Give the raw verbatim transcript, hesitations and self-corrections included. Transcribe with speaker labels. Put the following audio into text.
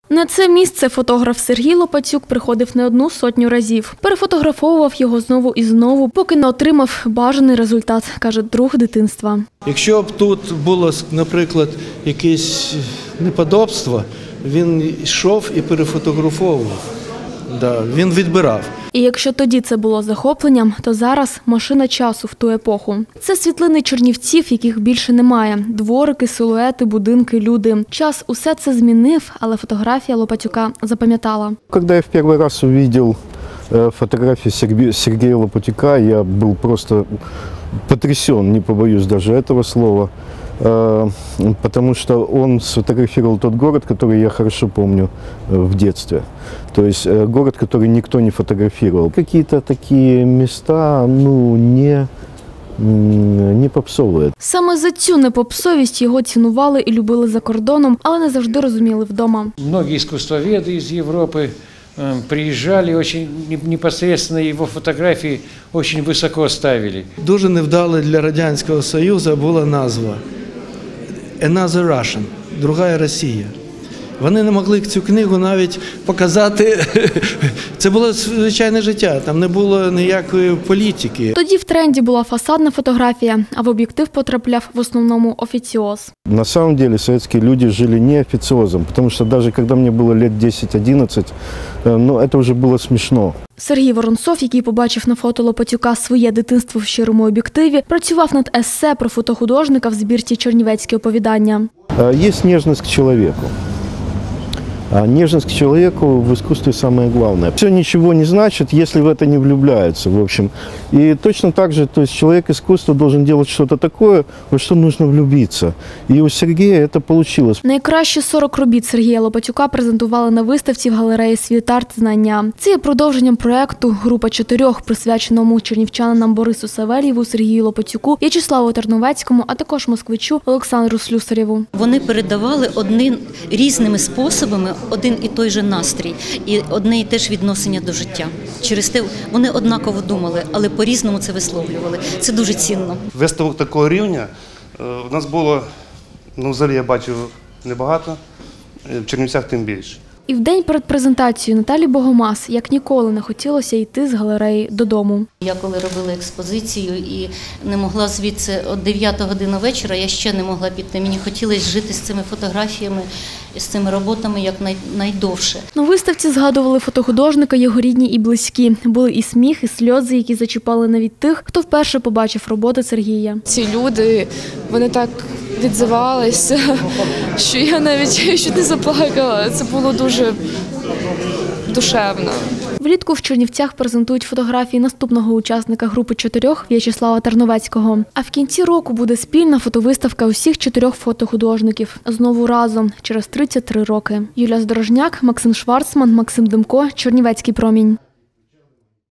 Speaker 1: На це місце фотограф Сергій Лопатюк приходив не одну сотню разів. Перефотографовував його знову і знову, поки не отримав бажаний результат, каже друг дитинства.
Speaker 2: Якщо б тут було, наприклад, якесь неподобство, він йшов і перефотографовував. Да, він відбирав.
Speaker 1: І якщо тоді це було захопленням, то зараз машина часу в ту епоху. Це світлини чернівців, яких більше немає. Дворики, силуети, будинки, люди. Час усе це змінив, але фотографія Лопатюка запам'ятала.
Speaker 3: Коли я в перший раз побачив фотографії Сергія Лопатюка, я був просто потрясен, не побоюсь даже этого слова. Потому что он сфотографировал тот город, который я хорошо помню в детстве. То есть город, который никто не фотографировал. Какие-то такие места, ну, не, не попсовые.
Speaker 1: Саме за цю непопсовість його цінували і любили за кордоном, але не завжди розуміли вдома.
Speaker 4: Многие искусствоведы из Европы приезжали, очень непосредственно его фотографии очень высоко ставили.
Speaker 2: Дуже невдале для Радянського Союзу була назва «Another Russian» – «Другая Росія». Вони не могли цю книгу навіть показати. Це було звичайне життя, там не було ніякої політики.
Speaker 1: Тоді в тренді була фасадна фотографія, а в об'єктив потрапляв в основному офіціоз.
Speaker 3: На самом деле советские люди жили не официозом, потому что даже когда мне было лет десять-одиннадцать, ну, это уже было смешно.
Speaker 1: Сергій Воронцов, який побачив на фото Лопатюка своє дитинство в щирому об'єктиві, працював над есе про фотохудожника в збірці «Чернівецькі оповідання».
Speaker 3: Есть нежность к человеку. А нежность к человеку в искусстве самое главное. Все ничего не значит, если в это не влюбляются, в общем. И точно так же, то есть человек искусства должен делать что-то такое, во что нужно влюбиться. И у Сергея это получилось.
Speaker 1: Найкращі сорок робіт Сергія Лопатюка презентували на виставці в галереї «Світ-арт. Знання». Це є продовженням проєкту «Група чотирьох», присвяченому чернівчанам Борису Савельєву, Сергію Лопатюку, В'ячеславу Тарновецькому, а також москвичу Олександру Слюсарєву.
Speaker 5: Вони передавали одним різними способами один і той же настрій і одне і те ж відношення до життя. Через те вони однаково думали, але по-різному це висловлювали. Це дуже цінно.
Speaker 6: Виставок такого рівня у нас було, ну, взагалі я бачив небагато, в Чернівцях тим більше.
Speaker 1: І в день перед презентацією Наталі Богомаз як ніколи не хотілося йти з галереї додому.
Speaker 5: Я коли робила експозицію і не могла звідси, от дев'ята година вечора, я ще не могла піти. Мені хотілося жити з цими фотографіями, з цими роботами як найдовше.
Speaker 1: На виставці згадували фотохудожника його рідні і близькі. Були і сміх, і сльози, які зачіпали навіть тих, хто вперше побачив роботи Сергія.
Speaker 7: Ці люди, вони так відзивалися, що я навіть чуть не заплакала. Це було дуже душевно.
Speaker 1: Влітку в Чернівцях презентують фотографії наступного учасника групи чотирьох В'ячеслава Тарновецького. А в кінці року буде спільна фотовиставка усіх чотирьох фотохудожників. Знову разом, через тридцять три роки. Юлія Здорожняк, Максим Шварцман, Максим Демко, Чернівецький промінь.